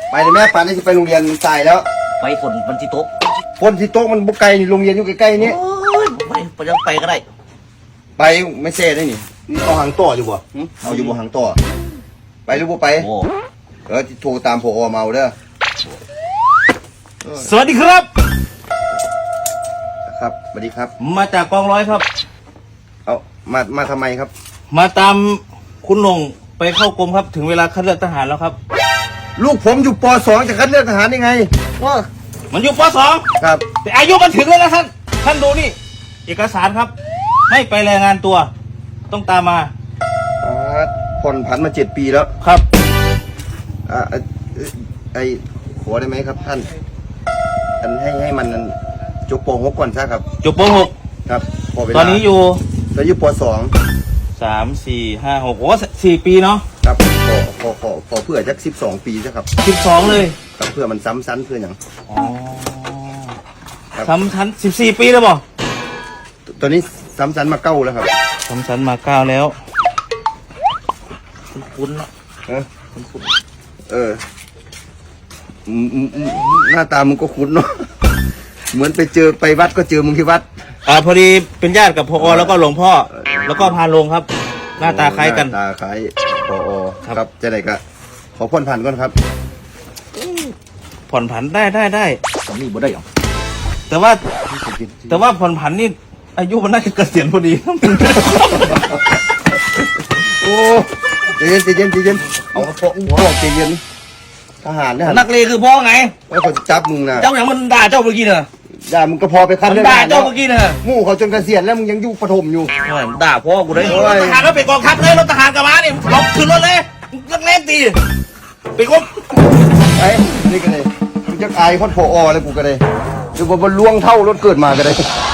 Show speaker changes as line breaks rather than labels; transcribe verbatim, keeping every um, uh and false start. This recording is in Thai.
ไปเลยแม่ป่านนี้จะไปโรงเรียนสายแล้ว
ไปฝนมันที่โต๊ะ
ฝนที่โต๊ะมันบุกไกลนี่โรงเรียนอยู่ใกล้ๆนี้
ไปไปยังไปก็ได้
ไปไม่เซ่ได้นี่เอาหางต่ออยู่บ่เอาอยู่บ่หางต่อไปหรือบ่ไปเออโทรตามผอเมาเด้อ
สวัสดีครับ
ครับสวัสดีครับ
มาจากกองร้อยครับ
เอามามาทำไมครับ
มาตามคุณหนงไปเข้ากรมครับถึงเวลาคัดเลือกทหารแล้วครับ
ลูกผมอยู่ป สอง จะคัดเลือกทหารยังไงว่า
มันอยู่ป สอง
ครับ
แต่อายุมันถึงแล้วนะท่านท่านดูนี่เอกสารครับไม่ไปรายงานตัวต้องตามมา
ผ่อนผันมาเจ็ดปีแล้ว
ครับ
อ่าไอขอได้ไหมครับท่านอันให้ให้มันจบป หกก่อนซะครับ
จบป หก
ครับ
ตอนนี้อยู่
ตอนอยู่ป สอง
สามสี่ห้าหกโอ้สี่ปีเนาะ
ครับขอขอขอขอเพื่อจักสิบสองปีซะครับ
สิบสองเลย
ครับเพื่อมันซ้ำซ้ำเพื่ออย่าง
อ๋อซ้ำชั้นสิบสี่ปีแล้วบ่
ตอนนี้ซ้ำซ้ำมาเก้าแล้วครับ
ซ้ำชั้นมาเก้าแล้วคุ้นๆเนาะ
เออคุ้นๆเออหน้าตามึงก็คุ้นเนาะเหมือนไปเจอไปวัดก็เจอมึงที่วัด
อ่าพอดีเป็นญาติกับพอแล้วก็หลวงพ่อแล้วก็พาลงครับหน้าตาคล้ายกัน
ตาคล้ายพอครับจะไหนก็ขอผ่อนผันก่อนครับ
ผ่อนผันได้ได้ได้
ตอนนี้บ่ได้หรอ
แต่ว่าแต่ว่าผ่อนผันนี่อายุมันน่าจะเกษียณพอดี
โอ้ใจเย็นใจเย็นใจเย็นเอาพวกพวกใจเย็นทหารเนี่ย
นักเลงคือพ่อไง
ว่าเขาจะจับมึงนะ
เจ้าอย่างมันด่าเจ้าเมื่อกี้เนอะ
ด่ามึงก็พอไปคัดเรื่อง
ด่าเจ้าเมื่อกี้เนอะ
มู่เขาจนเกษียณแล้วมึงยังอยู่ประถมอยู่
ด่าพ่อกูได้รถทหารก็ไปกองทัพเลยรถทหารกับม้านี่ลบขึ้นรถเลยนักเลงตีไปกบ
ไอ้นี่กันเลยมึงจะอายคนพอเลยกูก็ได้หรือว่ามันล่วงเท่ารถเกิดมาก็ได้